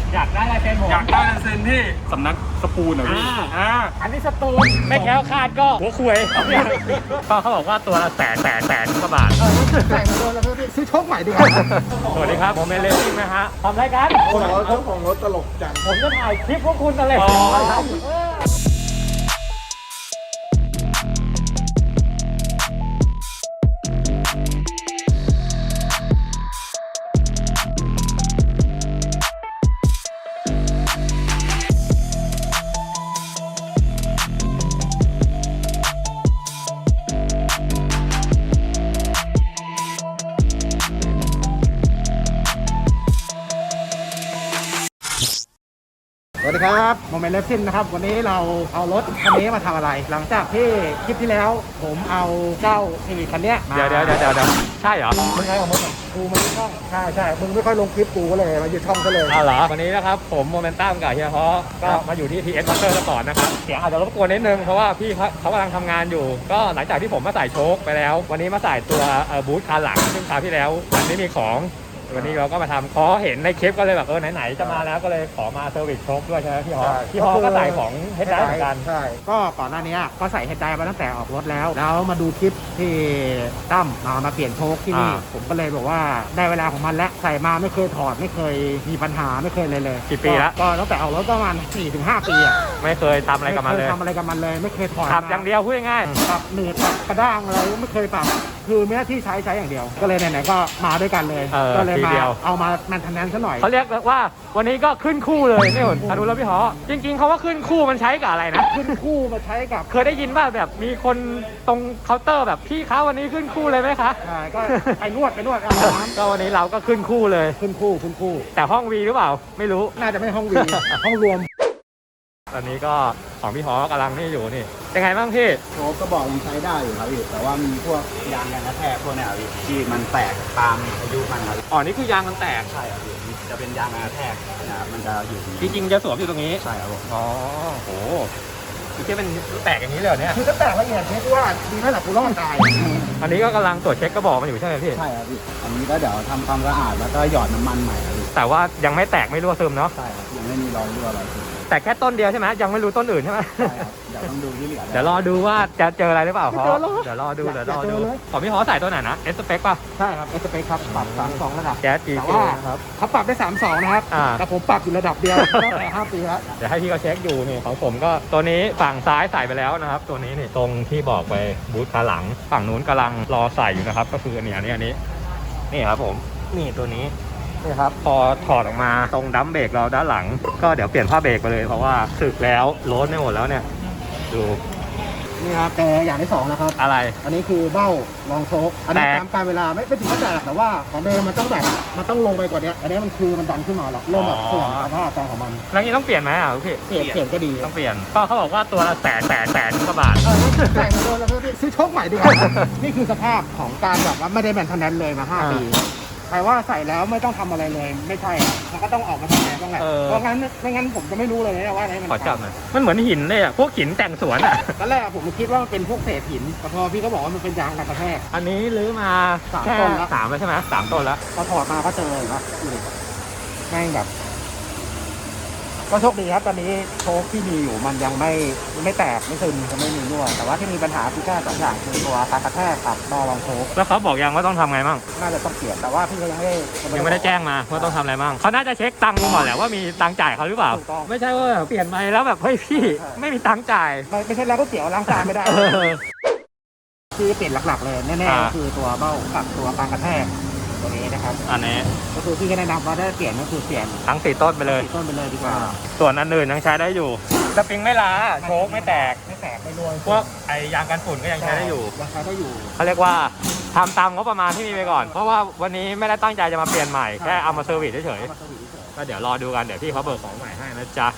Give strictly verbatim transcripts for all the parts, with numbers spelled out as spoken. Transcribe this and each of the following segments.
อยากได้ลายเซ็นผมอยากได้ลายเซ็นที่สำนักสปูนเหรอพี่อ่าอันนี้สตูนไม่แคล้วคลาดก็หัวคุยก็เขาบอกว่าตัวละแสนแสนแสนกว่าบาทใส่มาโดนแล้วพี่ซื้อโชคใหม่ดีกว่าสวัสดีครับผมเมเลซิ่งนะฮะทำรายการผมเอาเจ้าของรถตลกจังผมจะถ่ายคลิปพวกคุณอะไรสวัสดีครับโมเมนต์เลฟซินนะครับวันนี้เราเอารถคันนี้มาทำอะไร หลังจากที่คลิปที่แล้วผมเอาเจ้าซีวิคคันนี้เดี๋ยวเดี๋ยวเดี๋ยวเดี๋ยวใช่เหรอมึงไงของมึงกูมันช่องใช่ใช่มึงไม่ค่อยลงคลิปกูก็เลยมาอยู่ช่องก็เลยอ้าวเหรอวันนี้นะครับผมโมเมนตัมกับเฮียฮอก็มาอยู่ที่ ที เอส Motor ก่อนนะครับเสียงอาจจะรบกวนนิดนึงเพราะว่าพี่เขาเขากำลังทำงานอยู่ก็หลังจากที่ผมมาใส่โชคไปแล้ววันนี้มาใส่ตัวบูทคาร์หลังซึ่งคราวที่แล้วมันไม่มีของวันนี้เราก็มาทำพอเห็นในคลิปก็เลยแบบเออไหนๆจะมาแล้วก็เลยขอมาเซอร์วิสโชคด้วยใช่ไหมพี่ฮอพี่ฮอก็ใส่ของเฮดไดเหมือนกันใช่ก็ก่อนหน้านี้ก็ใส่เฮดไดมาตั้งแต่ออกรถแล้วแล้วมาดูคลิปที่ตั้มมามาเปลี่ยนโชคที่นี่ผมก็เลยบอกว่าได้เวลาของมันแล้วใส่มาไม่เคยถอดไม่เคยมีปัญหาไม่เคยเลยเลยกี่ปีแล้วก็ตั้งแต่ออกรถประมาณ สี่ถึงห้า ปีอ่ะไม่เคยทำอะไรกับมันเลยทำอะไรกับมันเลยไม่เคยถอดขับอย่างเดียวพูดง่ายๆขับหนืดขับกระด้างอะไรไม่เคยปรับคือไม่ได้ที่ใช้ใช้อย่างเดียวก็เลยไหนๆก็มาด้วยกันเลยก็เลยมาเอามาแมนเทนแนนซ์ซะหน่อยเขาเรียกว่าวันนี้ก็ขึ้นคู่เลยนี่หุ่นอนุแล้วพี่หอจริงๆเขาว่าขึ้นคู่มันใช้กับอะไรนะขึ้นคู่มาใช้กับเคยได้ยินว่าแบบมีคนตรงเคาน์เตอร์แบบพี่คะวันนี้ขึ้นคู่เลยไหมคะใช่ก็ไปนวดไปนวดก็วันนี้เราก็ขึ้นคู่เลยขึ้นคู่ขึ้นคู่แต่ห้องวีหรือเปล่าไม่รู้น่าจะไม่ห้องวีห้องรวมตอนนี้ก็ของพี่หอกำลังนี่อยู่นี่ยังไงบ้างพี่โชคก็บอกยังใช้ได้อยู่ครับพี่แต่ว่ามีพวกยางกันกระแทกพวกนี้พี่ที่มันแตกตามอายุมันครับอ๋อนี่คือยางมันแตกใช่ครับพี่จะเป็นยางกันกระแทกนะครับมันจะอยู่จริงๆจะสวมอยู่ตรงนี้ใช่ครับผมอ๋อโหคือแค่เป็นแตกอย่างนี้เลยเนี่ยคือถ้าแตกละเอียดเช็คว่าดีไหมล่ะกูรอดตายอันนี้ก็กำลังตรวจเช็คกระบอกมันอยู่ใช่ไหมพี่ใช่ครับพี่อันนี้ก็เดี๋ยวทำความสะอาดแล้วก็หยอดน้ำมันใหม่ครับพี่แต่ว่ายังไม่แตกไม่รั่วซึมเนาะใช่ครับยังไม่มีรอยรั่วอะไรแต่แค่ต้นเดียวใช่ไหมยังไม่รู้ต้นอื่นใช่ไหมใช่ครับเดี๋ยวต้องดูที่เหลือเดี๋ยวรอดูว่าจะเจออะไรหรือเปล่าฮอเดี๋ยวรอดูเดี๋ยวรอดูของพี่ฮอใส่ตัวไหนนะเอสเปคป่ะใช่ครับเอสเปคครับปรับสามสองระดับแก๊สจีแต่ว่าเขาปรับได้สามสองนะครับแต่ผมปรับอยู่ระดับเดียวตั้งแต่ห้าปีแล้วเดี๋ยวให้พี่เขาเช็คอยู่นี่ของผมก็ตัวนี้ฝั่งซ้ายใส่ไปแล้วนะครับตัวนี้นี่ตรงที่บอกไปบูทขาหลังฝั่งนู้นกำลังรอใส่อยู่นะครับก็คืออันนี้อันนี้อันนี้นี่ครับผมนี่ตัวนี้นี่ครับพอถอดออกมาตรงดัมเบรกเราด้านหลังก็เดี๋ยวเปลี่ยนผ้าเบรกไปเลยเพราะว่าสึกแล้วโล้นไม่หมดแล้วเนี่ยดูนี่ครับแต่อย่างที่สองนะครับอะไรอันนี้คือเบ้ารองโชคอันนี้ตามการเวลาไม่ไม่ถึงว่าแตกแต่ว่าของเดิมมันต้องแบบมันต้องลงไปกว่านี้อันนี้มันคือมันดันขึ้นมาหรอกเริ่มแบบเสื่อมสภาพของมันแล้วนี้ต้องเปลี่ยนไหมอ่ะพี่เปลี่ยนเปลี่ยนก็ดีต้องเปลี่ยนก็เขาบอกว่าตัวละแสนแสนแสนกว่าบาทใส่มาโดนแล้วพี่ซื้อโชคใหม่ดีกว่านี่คือสภาพของการแบบว่าไม่ได้แมนเทนแนนซ์เลยมาห้าปีใครว่าใส่แล้วไม่ต้องทำอะไรเลยไม่ใช่มันก็ต้องออกมาทำงานต้องแหละเพราะงั้นไม่งั้นผมจะไม่รู้เลยนะว่าอะไรมันขอจับหน่อยมันเหมือนหินเลยอ่ะพวกหินแต่งสวนอ่ะตอนแรกผมคิดว่ามันเป็นพวกเศษหินแต่พอพี่ก็บอกว่ามันเป็นยางกันกระแทกอันนี้ลื้อมาสามต้นแล้วสามแล้วใช่ไหมสามต้นแล้วพอถอดมาก็เจอเลยครับแม่งแบบก็โชคดีครับตอนนี้โชคที่มีอยู่มันยังไม่ไม่แตกไม่ซึมจะไม่มีรั่วแต่ว่าที่มีปัญหาคือแค่สองอย่างคือตัวการกระแทกกับนอรองโชคแล้วเขาบอกยังว่าต้องทำไงบ้างน่าจะต้องเปลี่ยนแต่ว่าพี่เขายังไม่ได้ยังไม่ได้แจ้งมาว่าต้องทำอะไรบ้างเขาน่าจะเช็คตังค์ก่อนแหละว่ามีตังค์จ่ายเขาหรือเปล่าไม่ใช่ว่าเปลี่ยนไปแล้วแบบเฮ้ยพี่ไม่มีตังค์จ่ายไม่ไม่ใช่แล้วก็เกี่ยวล้างจานไม่ได้คือเปลี่ยนหลักๆเลยแน่ๆก็คือตัวเบ้ากับตัวการกระแทกตัวนี้นะครับอันนี้ก็คือพี่ก็แนะนำว่าถ้าเปลี่ยนก็คือเปลี่ยนทั้งสี่ต้นไปเลยสี่ต้นไปเลยดีกว่าส่วนอันอื่นยังใช้ได้อยู่สปริงไม่ล้าโชคไม่แตกไม่แตกไม่รวยพวกไอยางกันฝุ่นก็ยังใช้ได้อยู่ยังใช้ได้อยู่เขาเรียกว่าทำตามงบประมาณที่มีไปก่อนเพราะว่าวันนี้ไม่ได้ตั้งใจจะมาเปลี่ยนใหม่แค่เอามาเซอร์วิสเฉยๆก็เดี๋ยวรอดูกันเดี๋ยวพี่เขาเบิกของใหม่ให้นะจ๊ะ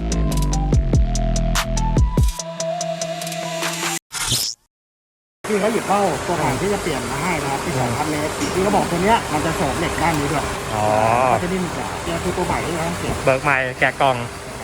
พี่เขาหยิบเบ้าตัวใหม่ที่จะเปลี่ยนมาให้นะครับที่สองพันเมตรที่เขาบอกตัวเนี้ยมันจะเสริมเหล็กด้านนี้ด้วยอ๋อก็จะนิ่มกว่าเนี่ยคือตัวใหม่ที่เราต้องเปลี่ยนเบิกใหม่แกะกล่อง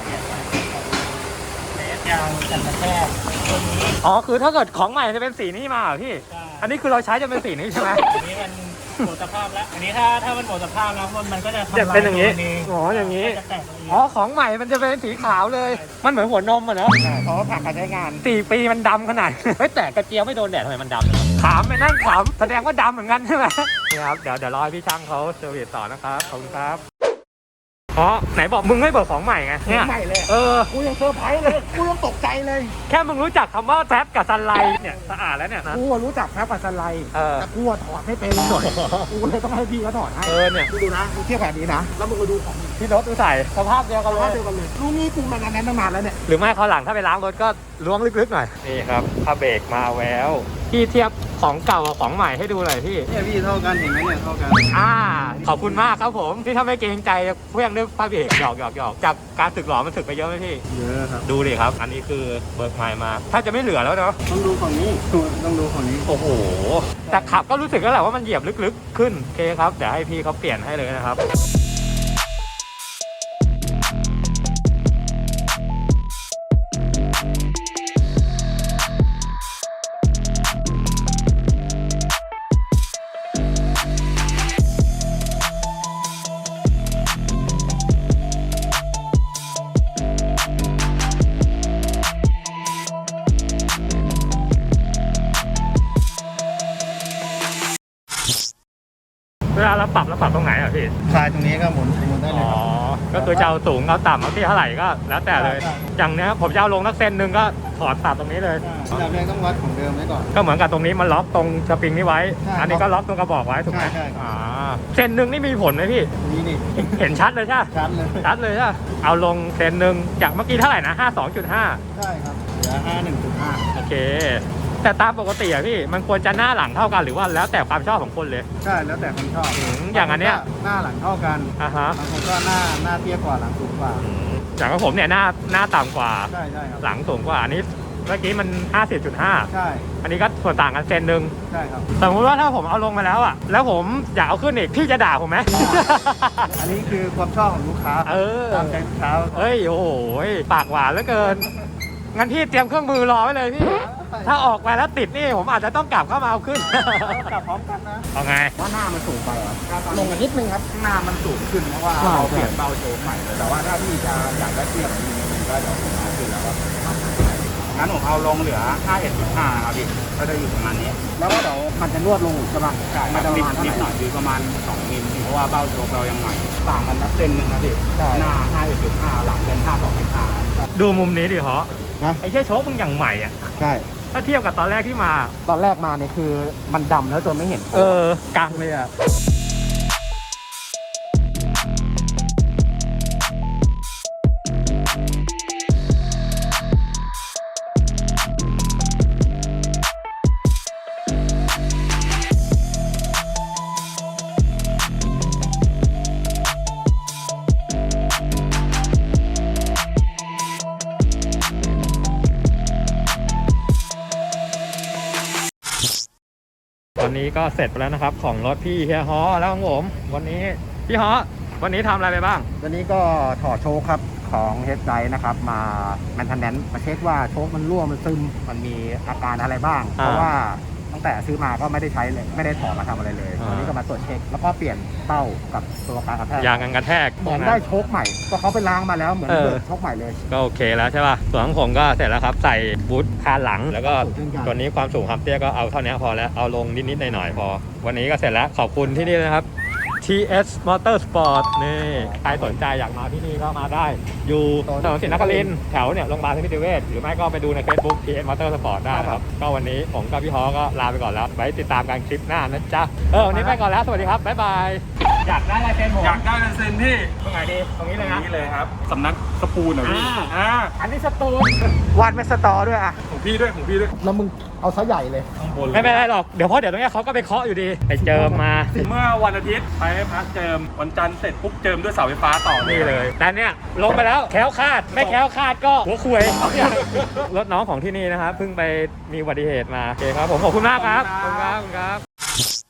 ยางกันกระแทกตัวนี้อ๋อคือถ้าเกิดของใหม่จะเป็นสีนี้มาเหรอพี่ใช่อันนี้คือเราใช้จะเป็นสีนี้ใช่ไหมอันนี้มันหมดสภาพแล้วอันนี้ถ้าถ้ามันหมดสภาพแล้วมันมันก็จะทำลายจะเป็นอย่างนี้ตัวอ๋ออย่างนี้จะแตกตัวเองอ๋อของใหม่มันจะเป็นสีขาวเลย มันเหมือนหัวนมอ่ะเนอะใช่เพราะว่าผ่านการใช้งานสี่ปีมันดำขนาด เฮ้ยแต่กระเจียวไม่โดนแดดทำไมมันดำเนอะขามไปนั่งขามแสดงว่าดำเหมือนกันใช่ไหมนี่ครับเดี๋ยวเดี๋ยวรอให้พี่ช่างเขาเซอร์วิสต่อนะครับขอบคุณครับอ๋อไหนบอกมึงไม่เบิกของใหม่ไงเนี่ยใหม่เลยเออกูยังเซอร์ไพรส์เลยกูยังตกใจเลยแค่มึงรู้จักคำว่าแฟบกับซันไลท์เนี่ยสะอาดแล้วเนี่ยนะกูรู้จักแพ้ปัสสไลด์เออแต่กูถอดไม่เป็นหน่อยกูเลยต้องให้พี่เขาถอดให้เออเนี่ยกูดูนะกูเทียบแบบนี้นะแล้วมึงมาดูของพี่รถดูใส่สภาพเดียวกันเลภาย พเดียวกันเลยลูกนี้กูมานานตั้งนานแล้วเนี่ยหรือไม่เขาวหลังถ้าไปล้างรถก็ล้วงลึกๆหน่อยนี่ครับผ้าเบรกมาแล้วพี่เทียบของเก่ากับของใหม่ให้ดูหน่อยพี่เนี่ยพี่เท่ากันเห็นไหมเนี่ยเท่ากันอ่าขอบคุณมากครับผมที่ถ้าไม่เกรงใจเพื่อนด้วยผ้าเบรกหยอกหยอกหยอกจากการสึกหลอมันสึกไปเยอะไหมพี่เยอะครับดูดิครับ อันนี้คือเบิกใหม่มา ถ้าจะไม่เหลือแล้วเนาะต้องดูฝั่งนี้ต้องดูฝั่งนี้โอ้โหแต่ขับก็รู้สึกแล้วแหละว่ามันเหยียบลึกๆขึ้นโอเคครับเดี๋ยวให้พี่เขาเปลี่ยนให้เลยนะครับเวลาเราปรับเราปรับตรงไหนอ่ะพี่คลายตรงนี้ก็หมุนหมุนได้เลยอ๋อครับก็คือจะเอาสูงเอาต่ำเอาที่เท่าไหร่ก็แล้วแต่เลยใช่อย่างเนี้ยผมจะเอาลงนักเซนหนึ่งก็ถอดตัดตรงนี้เลยอันดับแรกต้องวัดของเดิมไว้ก่อนก็เหมือนกับตรงนี้มันล็อกตรงสปริงนี้ไว้ใช่อันนี้ก็ล็อกตรงกระบอกไว้ถูกไหมใช่ใช่ครับอ่าเซนหนึ่งนี่มีผลไหมพี่นี่นี่เห็นชัดเลยใช่ไหมชัดเลยชัดเลยใช่ไหมเอาลงเซนหนึ่งจากเมื่อกี้เท่าไหร่นะห้าสองจุดห้าใช่ครับเหลือห้าหนึ่งจุดห้าโอเค แต่ตามปกติอะพี่มันควรจะหน้าหลังเท่ากันหรือว่าแล้วแต่ความชอบของคนเลยใช่แล้วแต่คนชอบอืมอย่างอันเนี้ยหน้าหลังเท่ากันอ่าฮะบางคนก็หน้าหน้าเตี้ยกว่าหลังสูงกว่าอืมอย่างของผมเนี่ยหน้าหน้าต่ำกว่าใช่ใช่ครับหลังสูงกว่าอันนี้เมื่อกี้มันห้าสิบจุดห้าใช่อันนี้ก็ส่วนต่างกันเซนหนึ่งใช่ครับสมมติว่าถ้าผมเอาลงมาแล้วอะแล้วผมอยากเอาขึ้นอีกพี่จะด่าผมไหมอันนี้คือความชอบของลูกค้าเออตามใจลูกค้าเอ้ยโอ้โหปากหวานเหลือเกิน งั้นพี่เตรียมเครื่องมือรอไว้เลยพี่ ถ้าออกไปแล้วติดนี่ผมอาจจะต้องกลับเข้ามาเอาขึ้นกลับพร้อมกันนะเอาไงว่าหน้ามันสูงไปอ่ะลงกันนิดนึงครับหน้ามันสูงขึ้นเพราะว่าใช่เราเปลี่ยนเบาโชว์ใหม่เลยแต่ว่าถ้าพี่จะอยากได้เทียบพี่ก็เดี๋ยวผมเอาขึ้นแล้วก็ทำให้งั้นผมเอาลงเหลือ ห้าสิบเอ็ดจุดห้า ครับพี่ก็จะอยู่ประมาณนี้แล้วก็เดี๋ยวมันจะนวดลงอีกใช่ป่ะใช่คมัรันบจะประนิดมาณเท่านิดไหหน่ร่อยคือประมาณสองมิลเพราะว่าเบ้าโชว์เรายังใหม่ต่างกันนับเซนหนึงนะพี่ใช่หน้า ห้าสิบเอ็ดจุดห้า หลังเป็น ห้าสิบสองจุดห้าดูมุมนี้ดิเหรอนะไอ้แค่โชคมึงอย่างใหม่อะใช่ถ้าเทียบกับตอนแรกที่มาตอนแรกมาเนี่ยคือมันดำแล้วจนไม่เห็นเออกลางเลยอะวันนี้ก็เสร็จไปแล้วนะครับของรถพี่เฮียฮอแล้วของผมวันนี้พี่ฮอวันนี้ทำอะไรไปบ้างวันนี้ก็ถอดโชคครับของเฮดไดนะครับมาแมนเทนแนนซ์มาเช็คว่าโชคมันรั่วมันซึมมันมีอาการอะไรบ้าง เพราะว่าตั้งแต่ซื้อมาก็ไม่ได้ใช้เลยไม่ได้ถอดมาทำอะไรเลยวันนี้ก็มาตรวจเช็คแล้วก็เปลี่ยนเต้ากับตัวการกระแทกยางกันกระแทกเหมือนได้โชคใหม่ก็เขาไปล้างมาแล้วเหมือนเออเบิกโชคใหม่เลยก็โอเคแล้วใช่ป่ะส่วนของผมก็เสร็จแล้วครับใส่บูทคานหลังแล้วก็เช่นกันตัวนี้ความสูงความเตี้ยก็เอาเท่านี้พอแล้วเอาลงนิดๆหน่อยๆพอ วันนี้ก็เสร็จแล้วขอบคุณที่นี่นะครับ ที เอส Motorsport นี่ใครสนใจอยากมาที่นี่ก็มาได้ อยู่ถนนศรีนครินทร์แถวเนี่ยโรงพยาบาลสมิติเวชหรือไม่ก็ไปดูใน Facebook ที เอส Motorsport ได้นะครับ ก็วันนี้ผมกับพี่ฮอก็ลาไปก่อนแล้ว ไว้ติดตามกันคลิปหน้านะจ๊ะ เออ วันนี้ไปก่อนแล้ว สวัสดีครับ บ๊ายบาย อยากได้ลายเซ็นผมอยากได้ลายเซ็นพี่ตรงไหนดี ตรงนี้ตเลรยงนะนี้เลยครับสำนักสปูนเหรอพี่อ่าอ่าอันนี้สตูลวาดไม่สตอด้วยอ่ะผมของพี่ด้วยของพี่ด้วยแล้วมึงเอาซะใหญ่เลยข้างบนเลยไม่เป็นไรหรอกเดี๋ยวเพราะเดี๋ยวตรงเนี้ยเขาก็ไปเคาะอยู่ดีไปเจิมมาเมื่อวันอาทิตย์ไปให้พักเจิมวันจันทร์เสร็จปุ๊บเจิมด้วยเสาไฟฟ้าต่อนี่เลยแต่เนี่ยลงไปแล้วแคล้วคลาดไม่แคล้วคลาดก็หัวคุยรถน้องของที่นี่นะครับเพิ่งไปมีอุบัติเหตุมาโอเคครับผมขอบคุณมากครับขอบคุณครับขอบคุณครับ